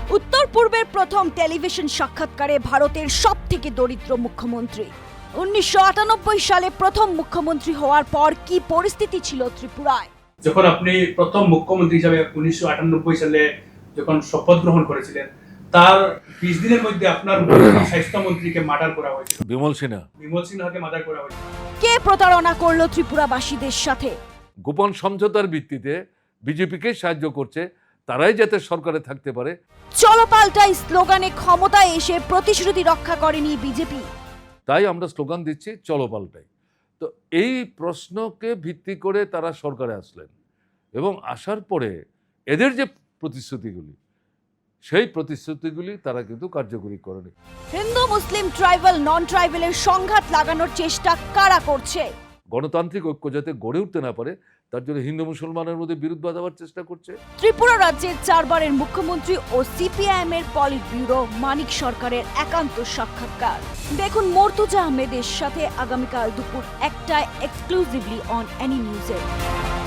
উত্তর পূর্বের প্রথম টেলিভিশন সাক্ষাৎকারে ভারতের সবথেকে দরিদ্র মুখ্যমন্ত্রী। 1998 সালে প্রথম মুখ্যমন্ত্রী হওয়ার পর কি পরিস্থিতি ছিল ত্রিপুরায়? যখন আপনি প্রথম মুখ্যমন্ত্রী হিসাবে 1998 সালে যখন শপথ গ্রহণ করেছিলেন, তার 20 দিনের মধ্যে আপনার স্বাস্থ্যমন্ত্রীকে মার্ডার করা হয়েছিল। বিমল সিনহাকে মার্ডার করা হয়েছিল। কে প্রতারণা করলো ত্রিপুরাবাসীদের সাথে? গোপন সমঝোতার ভিত্তিতে বিজেপিকে সাহায্য করছে, তারাই যাতে সরকারে থাকতে পারে। চলো পাল্টাই স্লোগানে ক্ষমতায় এসে প্রতিশ্রুতি রক্ষা করেনি বিজেপি। তাই আমরা স্লোগান দিচ্ছি চলো পাল্টাই। তো এই প্রশ্নকে ভিত্তি করে তারা সরকারে আসলেন এবং আসার পরে এদের যে প্রতিশ্রুতিগুলি, সেই প্রতিশ্রুতিগুলি তারা কিন্তু কার্যকরী করেনি। হিন্দু মুসলিম ট্রাইবাল নন ট্রাইবালের সংঘাত লাগানোর চেষ্টা কারা করছে? গণতান্ত্রিক ঐক্য যাতে গড়ে উঠতে না পারে, তার জন্য হিন্দু মুসলমানের মধ্যে বিরোধ বাঁধাবার চেষ্টা করছে। ত্রিপুরা রাজ্যের 4 বারের মুখ্যমন্ত্রী ও সিপিআইএম এর পলিট ব্যুরো মানিক সরকারের একান্ত সাক্ষাৎকার দেখুন মর্তুজা আহমেদের সাথে আগামীকাল দুপুর 1টায় এক্সক্লুসিভলি অন এনি নিউজে।